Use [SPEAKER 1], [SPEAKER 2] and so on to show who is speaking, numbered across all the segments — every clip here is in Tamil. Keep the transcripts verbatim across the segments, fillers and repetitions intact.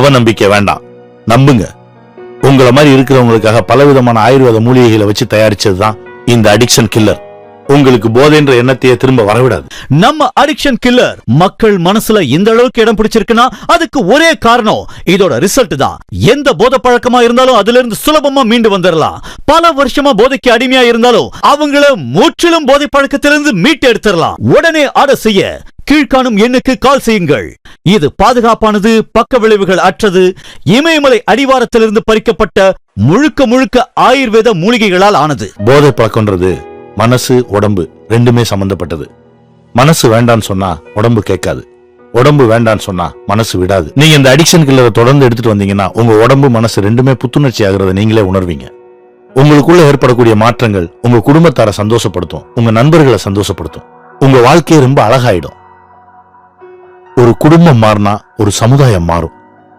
[SPEAKER 1] அவநம்பிக்கை வேண்டாம், நம்புங்க. உங்களை மாதிரி இருக்கிறவங்களுக்காக பலவிதமான ஆயுர்வேத மூலிகைகளை வச்சு தயாரிச்சதுதான் இந்த அடிக்ஷன் கில்லர். உங்களுக்கு போதைன்ற எண்ணத்தையே திரும்ப வரவிடாது.
[SPEAKER 2] நம்ம அடிக்ஷன் கில்லர் மக்கள் மனசுல இந்த அளவுக்கு இடம் பிடிச்சிருக்குன்னா அதுக்கு ஒரே காரணம் இதோட ரிசல்ட் தான். எந்த போதை பழக்கமா இருந்தாலும் அதுல இருந்து சுலபமா மீண்டு வந்துடலாம். பல வருஷமா போதைக்கு அடிமையா இருந்தாலும் அவங்கள முற்றிலும் போதை பழக்கத்திலிருந்து மீட்டு எடுத்துடலாம். உடனே ஆர்டர் செய்ய கீழ்காணும் எண்ணுக்கு கால் செய்யுங்கள். இது பாதுகாப்பானது, பக்க விளைவுகள் அற்றது, இமயமலை அடிவாரத்திலிருந்து பறிக்கப்பட்ட முழுக்க முழுக்க ஆயுர்வேத மூலிகைகளால் ஆனது.
[SPEAKER 1] போதை பழக்கம்ன்றது மனசு உடம்பு ரெண்டுமே சம்பந்தப்பட்டது. மனசு வேண்டான்னு சொன்னா உடம்பு கேட்காது, உடம்பு வேண்டான்னு சொன்னா மனசு விடாது. நீங்க இந்த அடிக்ஷன் கில்லரை தொடர்ந்து எடுத்துட்டு வந்தீங்கன்னா உங்க உடம்பு மனசு ரெண்டுமே புத்துணர்ச்சி ஆகிறத நீங்களே உணர்வீங்க. உங்களுக்குள்ள ஏற்படக்கூடிய மாற்றங்கள் உங்க குடும்பத்தார சந்தோஷப்படுத்தும், உங்க நண்பர்களை சந்தோஷப்படுத்தும், உங்க வாழ்க்கையை ரொம்ப அழகாயிடும். ஒரு குடும்பம் மாறினா ஒரு சமுதாயம் மாறும்.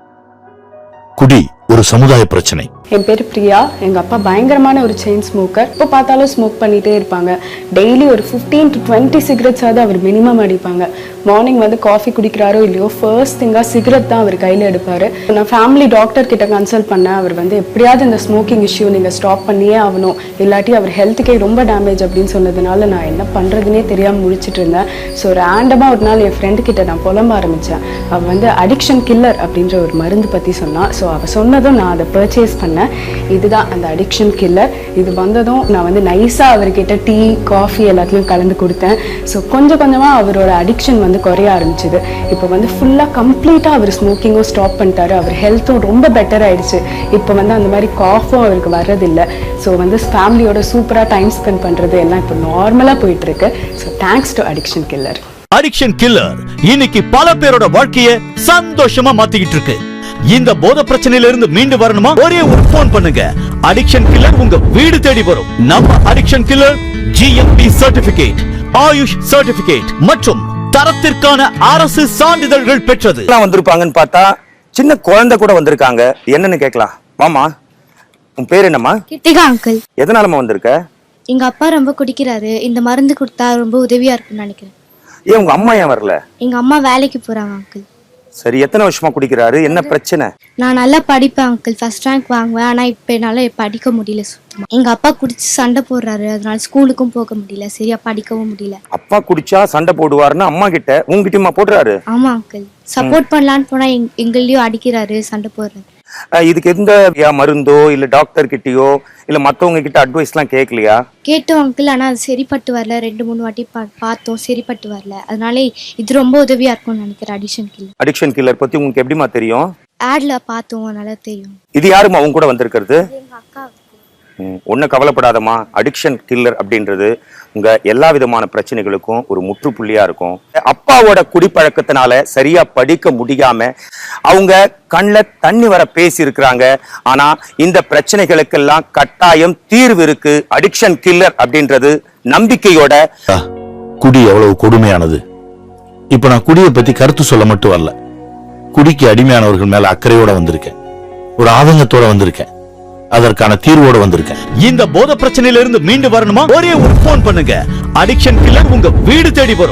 [SPEAKER 1] குடி ஒரு சமுதாய பிரச்சனை.
[SPEAKER 3] என் பேர் பிரியா. எங்கள் அப்பா பயங்கரமான ஒரு செயின் ஸ்மோக்கர். இப்போ பார்த்தாலும் ஸ்மோக் பண்ணிகிட்டே இருப்பாங்க. டெய்லி ஒரு ஃபிஃப்டீன் டு டுவெண்ட்டி சிகரெட்ஸாவது அவர் மினிமம் அடிப்பாங்க. மார்னிங் வந்து காஃபி குடிக்கிறாரோ இல்லையோ ஃபர்ஸ்ட் திங்காக சிகரெட் தான் அவர் கையில் எடுப்பார். நான் ஃபேமிலி டாக்டர் கிட்ட கன்சல்ட் பண்ணேன். அவர் வந்து எப்படியாவது இந்த ஸ்மோக்கிங் இஷ்யூ நீங்கள் ஸ்டாப் பண்ணியே ஆகணும், இல்லாட்டி அவர் ஹெல்த்துக்கே ரொம்ப டேமேஜ் அப்படின்னு சொன்னதுனால நான் என்ன பண்ணுறதுனே தெரியாமல் முடிச்சுட்டு இருந்தேன். ஸோ ரேண்டமாக ஒரு நாள் என் ஃப்ரெண்டு கிட்ட நான் புலம்ப ஆரம்பித்தேன். அவள் வந்து அடிக்ஷன் கில்லர் அப்படின்ற ஒரு மருந்து பற்றி சொன்னான். ஸோ அவள் சொன்னதும் நான் அதை பர்ச்சேஸ் பண்ணேன். இதுதான் அந்த அடிக்ஷன் கில்லர். இது வந்ததும் நான் வந்து நைஸாக அவர்கிட்ட டீ காஃபி எல்லாத்தையும் கலந்து கொடுத்தேன். ஸோ கொஞ்சம் கொஞ்சமாக அவரோட அடிக்ஷன் வந்து குறைய ஆரம்பிச்சுது. இப்போ வந்து ஃபுல்லாக கம்ப்ளீட்டாக அவர் ஸ்மோக்கிங்கும் ஸ்டாப் பண்ணிட்டாரு. அவர் ஹெல்த்தும் ரொம்ப பெட்டர் ஆயிடுச்சு. இப்போ வந்து அந்த மாதிரி காஃபும் அவருக்கு வர்றதில்லை. ஸோ வந்து ஃபேமிலியோட சூப்பராக டைம் ஸ்பெண்ட் பண்ணுறது எல்லாம் இப்போ நார்மலாக போயிட்டு இருக்கு. So thanks to addiction killer.
[SPEAKER 2] Addiction killer இன்னைக்கு பல பேரோட வாழ்க்கையை சந்தோஷமா மாத்திக்கிட்டு இருக்கு. இந்த போதை பிரச்சனையில இருந்து மீண்டு வரணுமா? ஒரே ஒரு போன் பண்ணுங்க, அடிக்ஷன் கில்லர் உங்க வீடு தேடி வரும். நம்ம addiction killer GMP certificate, AYUSH certificate மற்றும் தரத்திற்கான அரசு சான்றிதழ்கள் பெற்றது.
[SPEAKER 4] வந்திருப்பாங்கன்னு பார்த்தா சின்ன குழந்தை கூட வந்திருக்காங்க. என்னன்னு கேட்கலாம். மாமா, உன் பேர் என்னம்மா?
[SPEAKER 5] கிருத்திகா அங்கிள்.
[SPEAKER 4] எதனாலமா வந்திருக்க?
[SPEAKER 5] எங்க அப்பா ரொம்ப குடிக்கிறாரு, இந்த மருந்து கொடுத்தா ரொம்ப உதவியா இருக்கும்னு நினைக்கிறேன்.
[SPEAKER 4] ஏன் உங்க அம்மா ஏன் வரல?
[SPEAKER 5] எங்க அம்மா வேலைக்கு போறாங்க அங்கிள்.
[SPEAKER 4] சரி, எத்தனை வருஷமா குடிக்கிறாரு? என்ன பிரச்சனை?
[SPEAKER 5] நான் நல்லா படிப்பேன் அங்கிள், ஃபர்ஸ்ட் ரேங்க் வாங்குவேன். ஆனா இப்ப என்னால படிக்க முடியல சுத்தமா. எங்க அப்பா குடிச்சு சண்டை போடுறாரு, அதனால ஸ்கூலுக்கும் போக முடியல, சரியா படிக்கவும் முடியல.
[SPEAKER 4] அப்பா குடிச்சா சண்டை போடுவாருன்னா அம்மா கிட்ட உங்ககிட்டயுமா போடுறாரு?
[SPEAKER 5] ஆமா அங்கிள், சப்போர்ட் பண்ணலான்னு போனா எங்களையும் அடிக்கிறாரு, சண்டை போடுறாரு.
[SPEAKER 4] இதுக்கு எந்த மருந்தோ இல்ல டாக்டர் கிட்டயோ இல்ல மத்தவங்க கிட்ட அட்வைஸ் எல்லாம் கேட்கலையா?
[SPEAKER 5] கேட்டோம் அங்கிள், ஆனா அது சரிப்பட்டு வரல. ரெண்டு மூணு வாட்டி பார்த்தோம், சரிப்பட்டு வரல. அதனால இது ரொம்ப உதவியா இருக்கும்னு நினைக்கிறேன் அடிக்ஷன் கில்லர்.
[SPEAKER 4] அடிக்ஷன் கில்லர் பத்தி உங்களுக்கு எப்படிமா தெரியும்?
[SPEAKER 5] ஆட்ல பார்த்தோம், அதனால தெரியும்.
[SPEAKER 4] இது யாருமா அவங்க கூட வந்திருக்கிறது?
[SPEAKER 5] எங்க அக்கா.
[SPEAKER 4] ஒன்னும் கவலைப்படாதமா, அடிக்ஷன் கில்லர் அப்படின்றது உங்க எல்லா விதமான பிரச்சனைகளுக்கும் ஒரு முற்றுப்புள்ளியா இருக்கும். அப்பாவோட குடிப்பழக்கத்தினால சரியா படிக்க முடியாம அவங்க கண்ணுல தண்ணி வர பேசி இருக்கிறாங்க. ஆனா இந்த பிரச்சனைகளுக்கெல்லாம் கட்டாயம் தீர்வு இருக்கு. அடிக்ஷன் கில்லர் அப்படின்றது நம்பிக்கையோட.
[SPEAKER 1] குடி எவ்வளவு கொடுமையானது. இப்ப நான் குடியை பத்தி கருத்து சொல்ல மட்டும் வரல, குடிக்கு அடிமையானவர்கள் மேல அக்கறையோட வந்திருக்கேன், ஒரு ஆதங்கத்தோட வந்திருக்கேன், அதற்கான தீர்வோட வந்திருக்கேன்.
[SPEAKER 2] இந்த போதை பிரச்சனையில இருந்து மீண்டு வரணுமா? ஒரே ஒரு போன் பண்ணுங்க, அடிக்ஷன் கில்லர் உங்க வீடு தேடி வரும்.